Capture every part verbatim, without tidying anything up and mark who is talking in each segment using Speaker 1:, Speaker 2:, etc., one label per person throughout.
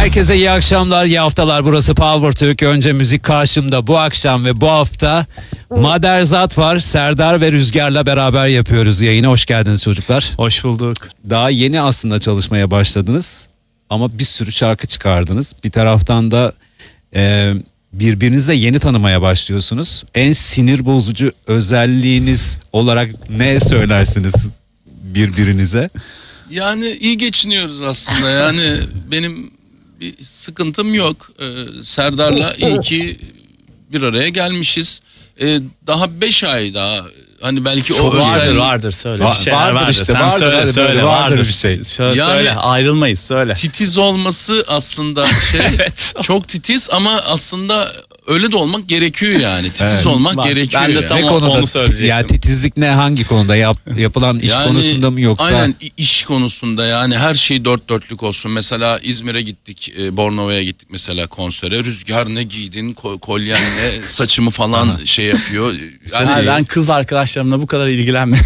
Speaker 1: Herkese iyi akşamlar, iyi haftalar. Burası Power Türk. Önce müzik karşımda bu akşam ve bu hafta Maderzat var. Serdar ve Rüzgar'la beraber yapıyoruz yayını. Hoş geldiniz çocuklar.
Speaker 2: Hoş bulduk.
Speaker 1: Daha yeni aslında çalışmaya başladınız ama bir sürü şarkı çıkardınız. Bir taraftan da e, birbirinizle yeni tanımaya başlıyorsunuz. En sinir bozucu özelliğiniz olarak ne söylersiniz birbirinize?
Speaker 3: Yani iyi geçiniyoruz aslında. Yani benim bir sıkıntım yok. Ee, Serdar'la iyi ki bir araya gelmişiz. Ee, daha beş ay daha. Hani belki
Speaker 2: Çok
Speaker 3: o
Speaker 2: vardır
Speaker 3: özel...
Speaker 2: vardır söyle.
Speaker 1: Va-
Speaker 2: Bir şeyler
Speaker 1: vardır
Speaker 2: vardır.
Speaker 1: işte,
Speaker 2: Sen
Speaker 1: vardır,
Speaker 2: söyle
Speaker 1: hadi
Speaker 2: söyle
Speaker 1: böyle vardır
Speaker 2: vardır
Speaker 1: bir şey.
Speaker 2: Şöyle
Speaker 3: Yani-
Speaker 2: söyle ayrılmayız söyle.
Speaker 3: Titiz olması aslında şey
Speaker 2: Evet.
Speaker 3: çok titiz ama aslında öyle de olmak gerekiyor yani. Titiz
Speaker 1: Evet.
Speaker 3: olmak
Speaker 2: Bak,
Speaker 3: gerekiyor.
Speaker 2: ben de
Speaker 3: yani.
Speaker 2: tam
Speaker 1: Ne
Speaker 2: o-
Speaker 1: konuda?
Speaker 2: onu söyleyecektim.
Speaker 1: Ya titizlik ne, hangi konuda? Yap, yapılan iş
Speaker 3: Yani
Speaker 1: konusunda mı yoksa?
Speaker 3: Aynen iş konusunda yani her şey dört dörtlük olsun. Mesela İzmir'e gittik, e, Bornova'ya gittik mesela konsere. Rüzgar ne giydin, ko- kolyen ne, saçımı falan şey yapıyor. Yani,
Speaker 2: Yani ben kız arkadaşlarımla bu kadar ilgilenmiyorum.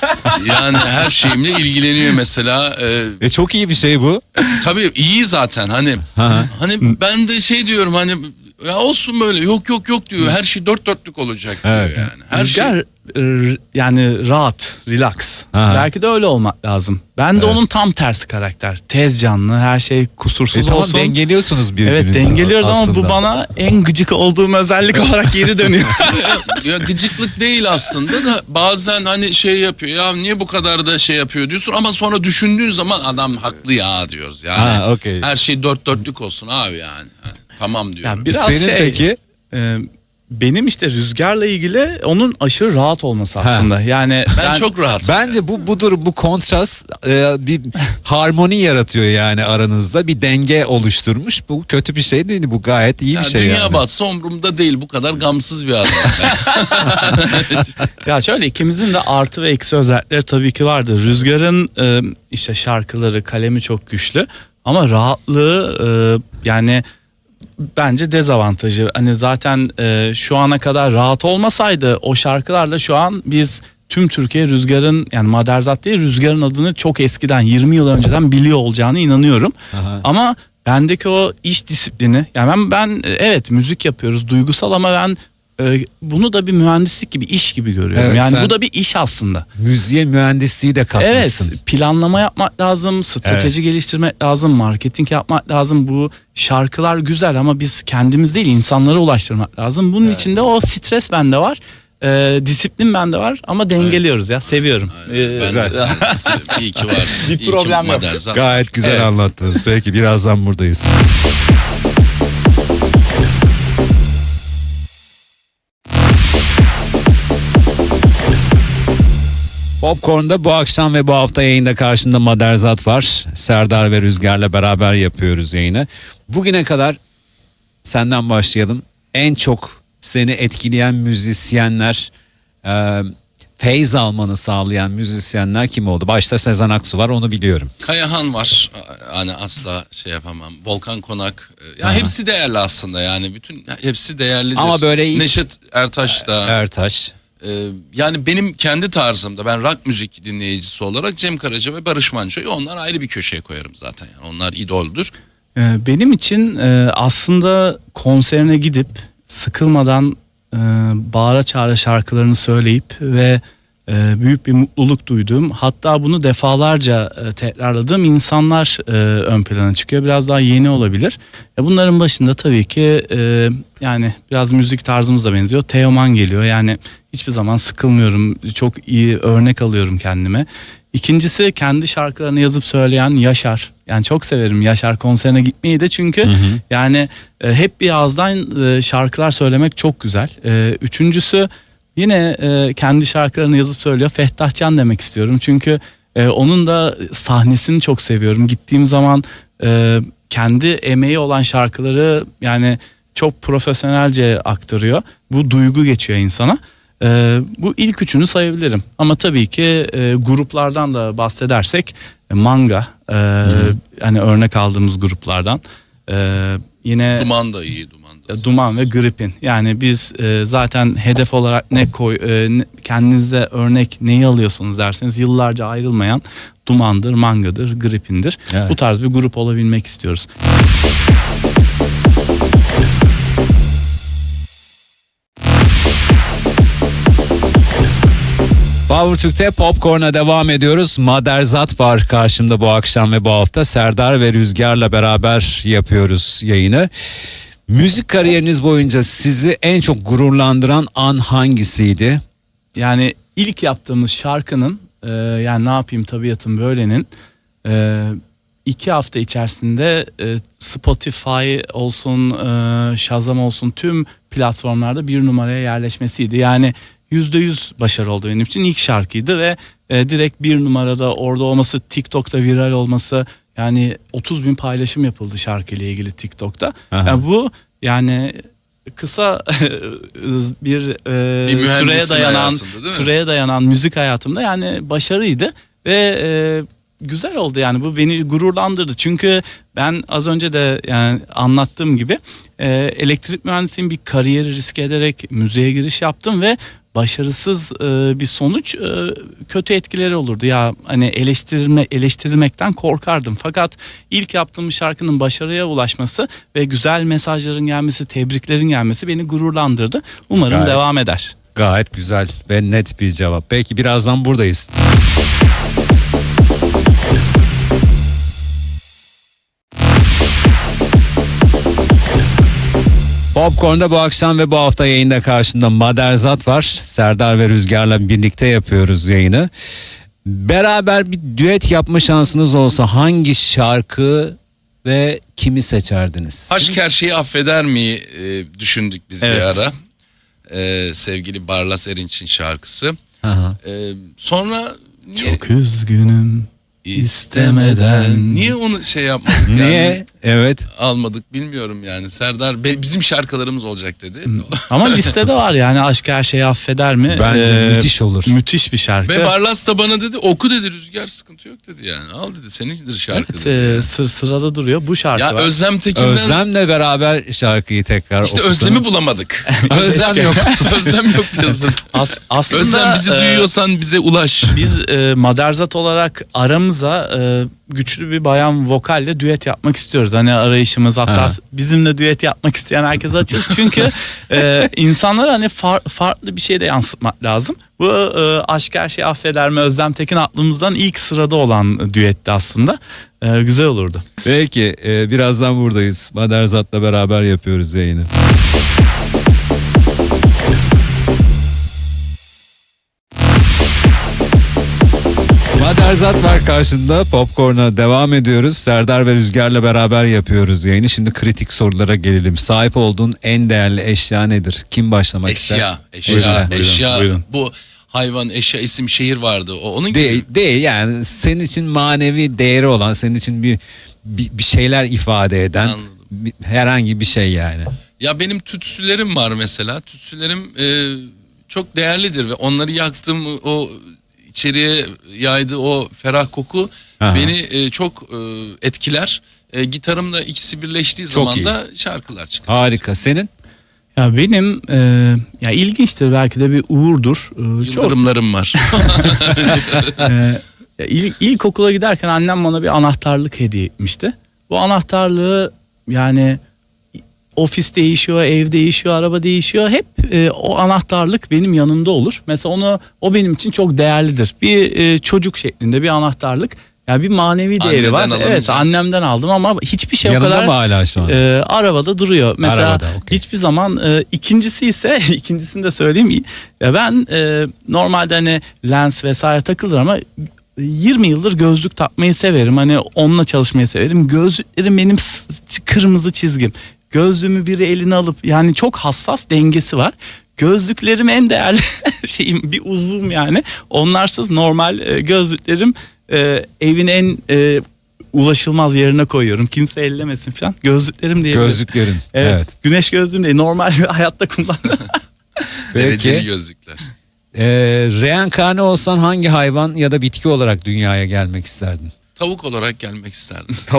Speaker 3: yani her şeyimle ilgileniyor mesela. E,
Speaker 1: E çok iyi bir şey bu.
Speaker 3: tabii iyi zaten hani.
Speaker 1: Ha.
Speaker 3: Hani ben de şey diyorum hani ya olsun böyle yok yok yok diyor. Her şey dört dörtlük olacak diyor
Speaker 1: Evet.
Speaker 3: yani. Her şey.
Speaker 2: Rüzgar r- yani rahat, relax.
Speaker 1: Ha.
Speaker 2: Belki de öyle olmak lazım. Ben de
Speaker 1: Evet.
Speaker 2: onun tam tersi karakter. Tez canlı, her şey kusursuz
Speaker 1: E tamam,
Speaker 2: olsun.
Speaker 1: dengeliyorsunuz birbirinizi.
Speaker 2: Evet dengeliyoruz ama
Speaker 1: aslında.
Speaker 2: bu bana en gıcık olduğum özellik olarak geri dönüyor.
Speaker 3: ya, ya gıcıklık değil aslında da bazen hani şey yapıyor ya niye bu kadar da şey yapıyor diyorsun ama sonra düşündüğün zaman adam haklı ya diyoruz yani.
Speaker 1: Ha, okey.
Speaker 3: Her şey dört dörtlük olsun abi yani. Ha, tamam diyorum.
Speaker 2: Yani biraz
Speaker 1: Senin
Speaker 2: şey,
Speaker 1: peki?
Speaker 2: e, benim işte Rüzgar'la ilgili onun aşırı rahat olması aslında. Yani
Speaker 3: ben,
Speaker 2: ben
Speaker 3: çok rahatım.
Speaker 1: Bence bu bu durum, bu kontrast e, bir harmoni yaratıyor yani aranızda, bir denge oluşturmuş. Bu kötü bir şey değil, bu gayet iyi
Speaker 3: ya
Speaker 1: bir şey
Speaker 3: dünya
Speaker 1: yani.
Speaker 3: batsa umurumda değil bu kadar gamsız bir adam.
Speaker 2: ya şöyle ikimizin de artı ve eksi özellikleri tabii ki vardır. Rüzgar'ın e, işte şarkıları, kalemi çok güçlü ama rahatlığı e, yani bence dezavantajı. Hani zaten e, şu ana kadar rahat olmasaydı o şarkılarla şu an biz tüm Türkiye Rüzgar'ın yani Maderzat değil Rüzgar'ın adını çok eskiden yirmi yıl önceden biliyor olacağını inanıyorum.
Speaker 1: Aha.
Speaker 2: Ama bendeki o iş disiplini yani ben, ben evet müzik yapıyoruz duygusal ama ben e, bunu da bir mühendislik gibi iş gibi görüyorum.
Speaker 1: Evet,
Speaker 2: yani
Speaker 1: sen-
Speaker 2: bu da bir iş aslında.
Speaker 1: Müziğe mühendisliği de
Speaker 2: Evet,
Speaker 1: katmışsın.
Speaker 2: planlama yapmak lazım, strateji geliştirmek lazım, marketing yapmak lazım. Bu şarkılar güzel ama biz kendimiz değil insanlara ulaştırmak lazım. Bunun içinde o stres bende var, e, disiplin bende var ama dengeliyoruz ya seviyorum.
Speaker 3: Aynen.
Speaker 2: E,
Speaker 3: Ben
Speaker 1: güzel.
Speaker 3: de sen, iyi ki varsın.
Speaker 2: Bir
Speaker 3: İyi ki
Speaker 2: problem yok.
Speaker 3: Maderzat.
Speaker 1: Gayet güzel
Speaker 2: Evet.
Speaker 1: anlattınız. Peki birazdan buradayız. Popcorn'da bu akşam ve bu hafta yayında karşında Maderzat var. Serdar ve Rüzgar'la beraber yapıyoruz yayını. Bugüne kadar senden başlayalım. En çok seni etkileyen müzisyenler, e, feyz almanı sağlayan müzisyenler kim oldu? Başta Sezen Aksu var, onu biliyorum.
Speaker 3: Kayahan var. Hani asla şey yapamam. Volkan Konak. Ya
Speaker 1: Aha.
Speaker 3: hepsi değerli aslında yani. Bütün hepsi değerlidir.
Speaker 1: Ama böyle ilk-
Speaker 3: Neşet Ertaş da.
Speaker 1: Ertaş.
Speaker 3: Ee, yani benim kendi tarzımda ben rock müzik dinleyicisi olarak Cem Karaca ve Barış Manço'yu onlar ayrı bir köşeye koyarım zaten. Yani onlar idoldür.
Speaker 2: e, benim için e, aslında konserine gidip sıkılmadan e, bağıra çağıra şarkılarını söyleyip ve e, büyük bir mutluluk duyduğum hatta bunu defalarca e, tekrarladığım insanlar e, ön plana çıkıyor. Biraz daha yeni olabilir. E, bunların başında tabii ki e, yani biraz müzik tarzımız da benziyor. Teoman geliyor yani hiçbir zaman sıkılmıyorum. Çok iyi örnek alıyorum kendime. İkincisi kendi şarkılarını yazıp söyleyen Yaşar. Yani çok severim Yaşar konserine gitmeyi de çünkü yani e, hep bir ağızdan e, şarkılar söylemek çok güzel. E, üçüncüsü yine e, kendi şarkılarını yazıp söylüyor Fettah Can demek istiyorum. Çünkü e, onun da sahnesini çok seviyorum. Gittiğim zaman e, kendi emeği olan şarkıları yani çok profesyonelce aktarıyor. Bu duygu geçiyor insana. Ee, bu ilk üçünü sayabilirim ama tabii ki e, gruplardan da bahsedersek e, Manga e, hani örnek aldığımız gruplardan Ee, yine
Speaker 3: Duman da iyi, Duman da.
Speaker 2: Duman ve Gripin. Yani biz e, zaten hedef olarak ne koy e, ne- kendinize örnek neyi alıyorsunuz derseniz yıllarca ayrılmayan Duman'dır, Manga'dır, Gripin'dir.
Speaker 1: Evet.
Speaker 2: Bu tarz bir grup olabilmek istiyoruz.
Speaker 1: Power Türk'te Popcorn'a devam ediyoruz. Maderzat var karşımda bu akşam ve bu hafta. Serdar ve Rüzgar'la beraber yapıyoruz yayını. Müzik kariyeriniz boyunca sizi en çok gururlandıran an hangisiydi?
Speaker 2: Yani ilk yaptığımız şarkının e, yani ne yapayım tabiatım böylenin e, iki hafta içerisinde e, Spotify olsun, e, Shazam olsun tüm platformlarda bir numaraya yerleşmesiydi. Yani yüzde yüz başarı oldu benim için, ilk şarkıydı ve e, direkt bir numarada orada olması, TikTok'ta viral olması, yani otuz bin paylaşım yapıldı şarkıyla ilgili TikTok'ta.
Speaker 1: Aha.
Speaker 2: Yani bu yani kısa bir, e,
Speaker 3: Bir mühendisin
Speaker 2: süreye dayanan
Speaker 3: hayatında, değil mi?
Speaker 2: süreye dayanan müzik hayatımda yani başarıydı ve e, güzel oldu, yani bu beni gururlandırdı. Çünkü ben az önce de yani anlattığım gibi e, elektrik mühendisiyim, bir kariyeri risk ederek müziğe giriş yaptım ve başarısız e, bir sonuç e, kötü etkileri olurdu. Ya hani eleştirilme eleştirilmekten korkardım. Fakat ilk yaptığım şarkının başarıya ulaşması ve güzel mesajların gelmesi, tebriklerin gelmesi beni gururlandırdı. Umarım
Speaker 1: Gayet.
Speaker 2: devam eder.
Speaker 1: Gayet güzel ve net bir cevap. Belki birazdan buradayız. Popcorn'da bu akşam ve bu hafta yayında karşında Maderzat var. Serdar ve Rüzgar'la birlikte yapıyoruz yayını. Beraber bir düet yapma şansınız olsa hangi şarkı ve kimi seçerdiniz?
Speaker 3: Aşk her şeyi affeder mi e, düşündük biz bir
Speaker 2: Evet.
Speaker 3: ara. E, sevgili Barlas Erinç'in şarkısı.
Speaker 1: Aha.
Speaker 3: E, sonra niye
Speaker 2: Çok üzgünüm.
Speaker 3: istemeden niye onu şey yapmadık?
Speaker 1: Niye?
Speaker 3: Yani
Speaker 1: Evet.
Speaker 3: almadık bilmiyorum yani. Serdar be- bizim şarkılarımız olacak dedi.
Speaker 2: Ama listede var yani, aşk her şeyi affeder mi?
Speaker 1: Bence
Speaker 2: Ee,
Speaker 1: müthiş olur.
Speaker 2: Müthiş bir şarkı.
Speaker 3: Ve Barlas da bana dedi oku dedi, Rüzgar sıkıntı yok dedi yani. Al dedi, senindir şarkı
Speaker 2: Evet,
Speaker 3: dedi.
Speaker 2: e, sır sırada duruyor bu şarkı
Speaker 3: Ya
Speaker 2: var.
Speaker 3: Özlem Tekin'den
Speaker 1: Özlem'le beraber şarkıyı tekrar
Speaker 3: işte
Speaker 1: okusana.
Speaker 3: Özlem'i bulamadık.
Speaker 1: Özlem yok.
Speaker 3: Özlem yok piyasada.
Speaker 2: As- aslında
Speaker 3: Özlem bizi
Speaker 2: e,
Speaker 3: duyuyorsan bize ulaş.
Speaker 2: biz e, Maderzat olarak aramıza e, güçlü bir bayan vokalle düet yapmak istiyoruz. Hani arayışımız, hatta
Speaker 1: Ha.
Speaker 2: bizimle düet yapmak isteyen herkese açız. Çünkü e, insanlara hani far- farklı bir şey de yansıtmak lazım. Bu e, aşk her şeyi affeder mi, Özlem Tekin aklımızdan ilk sırada olan düetti aslında. E, güzel olurdu.
Speaker 1: Peki e, birazdan buradayız. Maderzat'la beraber yapıyoruz yayını. Maderzat var karşında. Popcorn'a devam ediyoruz. Serdar ve Rüzgar'la beraber yapıyoruz yayını. Şimdi kritik sorulara gelelim. Sahip olduğun en değerli eşya nedir? Kim başlamak ister?
Speaker 3: Eşya, eşya,
Speaker 1: Buyurun, buyurun,
Speaker 3: eşya.
Speaker 2: buyurun.
Speaker 3: Bu hayvan, eşya, isim, şehir vardı. O onun gibi.
Speaker 1: Değil, değil yani senin için manevi değeri olan, senin için bir bir, bir şeyler ifade eden
Speaker 3: Anladım.
Speaker 1: bir- herhangi bir şey yani.
Speaker 3: Ya benim tütsülerim var mesela. Tütsülerim e, çok değerlidir ve onları yaktım, o içeriye yaydığı o ferah koku
Speaker 1: Aha.
Speaker 3: beni e, çok e, etkiler. E, gitarımla ikisi birleştiği
Speaker 1: Çok
Speaker 3: zaman
Speaker 1: iyi.
Speaker 3: da şarkılar çıkar.
Speaker 1: Harika. Senin?
Speaker 2: Ya benim e, ya ilginçtir, belki de bir uğurdur. E, çok
Speaker 3: Yıldırımlarım var.
Speaker 2: Ee, ya ilk, ilkokula giderken annem bana bir anahtarlık hediye etmişti. Bu anahtarlığı yani ofis değişiyor, ev değişiyor, araba değişiyor. Hep e, o anahtarlık benim yanımda olur. Mesela onu o benim için çok değerlidir. Bir e, çocuk şeklinde bir anahtarlık. Yani bir manevi değeri
Speaker 3: Anneden
Speaker 2: var.
Speaker 3: alınca.
Speaker 2: Evet, annemden aldım ama hiçbir şey o
Speaker 1: Yanında
Speaker 2: kadar
Speaker 1: mı hala şu an?
Speaker 2: e, arabada duruyor. Mesela
Speaker 1: Arabada, okey.
Speaker 2: hiçbir zaman e, ikincisi ise ikincisini de söyleyeyim. Ya ben e, normalde hani lens vesaire takılır ama yirmi yıldır gözlük takmayı severim. Hani onunla çalışmayı severim. Gözlüklerim benim s- kırmızı çizgim. Gözlüğümü biri eline alıp, yani çok hassas dengesi var. Gözlüklerim en değerli şeyim, bir uzvum yani. Onlarsız normal e, gözlüklerim e, evin en e, ulaşılmaz yerine koyuyorum. Kimse ellemesin falan. Gözlüklerim diye.
Speaker 1: Gözlüklerin.
Speaker 2: Evet,
Speaker 1: Evet.
Speaker 2: Güneş gözlüğüm değil. Normal hayatta kullanıyorum.
Speaker 3: Dereceli
Speaker 1: Peki.
Speaker 3: gözlükler.
Speaker 1: Ee, reenkarne olsan hangi hayvan ya da bitki olarak dünyaya gelmek isterdin?
Speaker 3: Tavuk olarak gelmek isterdim.
Speaker 1: Tavuk.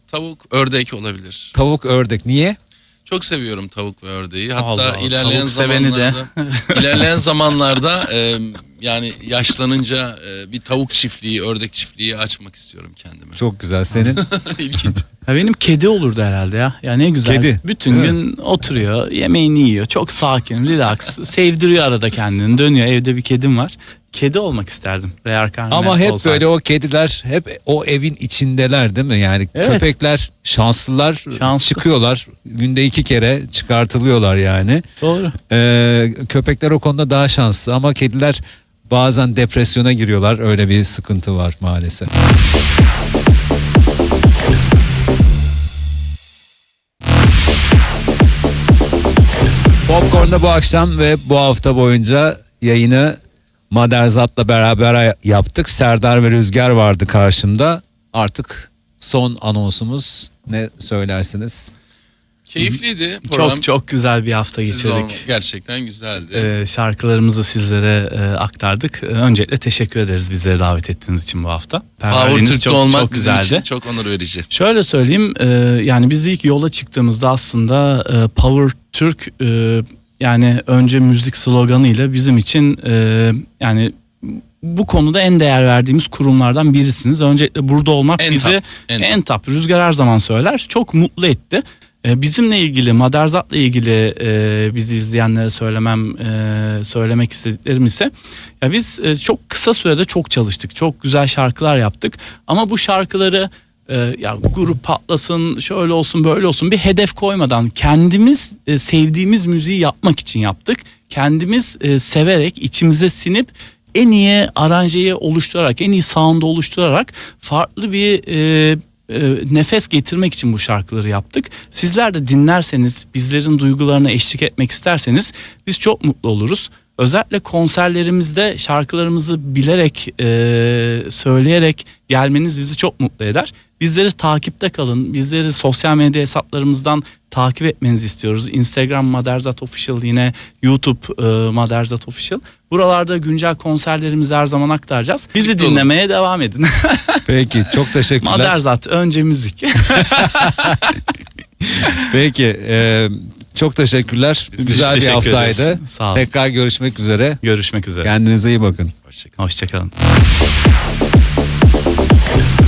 Speaker 3: Tavuk, ördek olabilir.
Speaker 1: Tavuk, ördek. Niye?
Speaker 3: Çok seviyorum tavuk ve ördeği. Hatta
Speaker 2: Allah Allah,
Speaker 3: ilerleyen
Speaker 2: tavuk seveni de.
Speaker 3: zamanlarda ilerleyen zamanlarda e, yani yaşlanınca e, bir tavuk çiftliği, ördek çiftliği açmak istiyorum kendime.
Speaker 1: Çok güzel. Senin?
Speaker 3: İlginç.
Speaker 2: Ya benim kedi olurdu herhalde ya. Ya ne güzel.
Speaker 1: Kedi,
Speaker 2: Bütün
Speaker 1: değil
Speaker 2: gün oturuyor, yemeğini yiyor. Çok sakin, relax. Sevdiriyor arada kendini. Dönüyor. Evde bir kedim var. Kedi olmak isterdim. Reenkarne
Speaker 1: Ama hep
Speaker 2: olsaydım.
Speaker 1: böyle o kediler hep o evin içindeler değil mi? Yani
Speaker 2: Evet.
Speaker 1: köpekler şanslılar,
Speaker 2: Şanslı.
Speaker 1: çıkıyorlar. Günde iki kere çıkartılıyorlar yani.
Speaker 2: Doğru.
Speaker 1: Ee, köpekler o konuda daha şanslı ama kediler bazen depresyona giriyorlar. Öyle bir sıkıntı var maalesef. Popcorn'da bu akşam ve bu hafta boyunca yayını Maderzat'la beraber yaptık. Serdar ve Rüzgar vardı karşımda. Artık son anonsumuz, ne söylersiniz?
Speaker 3: Keyifliydi program.
Speaker 2: Çok çok güzel bir hafta
Speaker 3: Siz
Speaker 2: geçirdik.
Speaker 3: olma- Gerçekten güzeldi.
Speaker 2: Ee, şarkılarımızı sizlere e, aktardık. Ee, öncelikle teşekkür ederiz bizleri davet ettiğiniz için bu hafta.
Speaker 3: Power
Speaker 2: Perverliğiniz
Speaker 3: Türk'te
Speaker 2: çok,
Speaker 3: olmak
Speaker 2: çok
Speaker 3: bizim
Speaker 2: güzeldi.
Speaker 3: için çok onur verici.
Speaker 2: Şöyle söyleyeyim, e, yani biz ilk yola çıktığımızda aslında e, Power Türk e, yani önce müzik sloganıyla bizim için e, yani bu konuda en değer verdiğimiz kurumlardan birisiniz. Öncelikle burada olmak
Speaker 3: En
Speaker 2: bizi
Speaker 3: top, en
Speaker 2: en top. Rüzgar her zaman söyler. Çok mutlu etti. E, bizimle ilgili, Maderzat'la ilgili e, bizi izleyenlere söylemem e, söylemek istediklerim ise ya biz e, çok kısa sürede çok çalıştık. Çok güzel şarkılar yaptık. Ama bu şarkıları e, ya grup patlasın, şöyle olsun, böyle olsun bir hedef koymadan kendimiz e, sevdiğimiz müziği yapmak için yaptık. Kendimiz e, severek, içimize sinip en iyi aranjeyi oluşturarak, en iyi sound'u oluşturarak farklı bir e, e, nefes getirmek için bu şarkıları yaptık. Sizler de dinlerseniz, bizlerin duygularına eşlik etmek isterseniz biz çok mutlu oluruz. Özellikle konserlerimizde şarkılarımızı bilerek, e, söyleyerek gelmeniz bizi çok mutlu eder. Bizleri takipte kalın. Bizleri sosyal medya hesaplarımızdan takip etmenizi istiyoruz. Instagram Maderzat Official, yine YouTube e, Maderzat Official. Buralarda güncel konserlerimizi her zaman aktaracağız. Bizi
Speaker 3: Birlikte olun.
Speaker 2: dinlemeye devam edin.
Speaker 1: Peki, çok teşekkürler.
Speaker 2: Maderzat önce müzik.
Speaker 1: Peki, e, çok teşekkürler.
Speaker 2: Biz
Speaker 1: Güzel bir
Speaker 2: teşekkür ederiz.
Speaker 1: haftaydı.
Speaker 2: Sağ olun.
Speaker 1: Tekrar görüşmek üzere.
Speaker 2: Görüşmek üzere.
Speaker 1: Kendinize iyi bakın.
Speaker 3: Hoşçakalın.
Speaker 2: Hoşçakalın.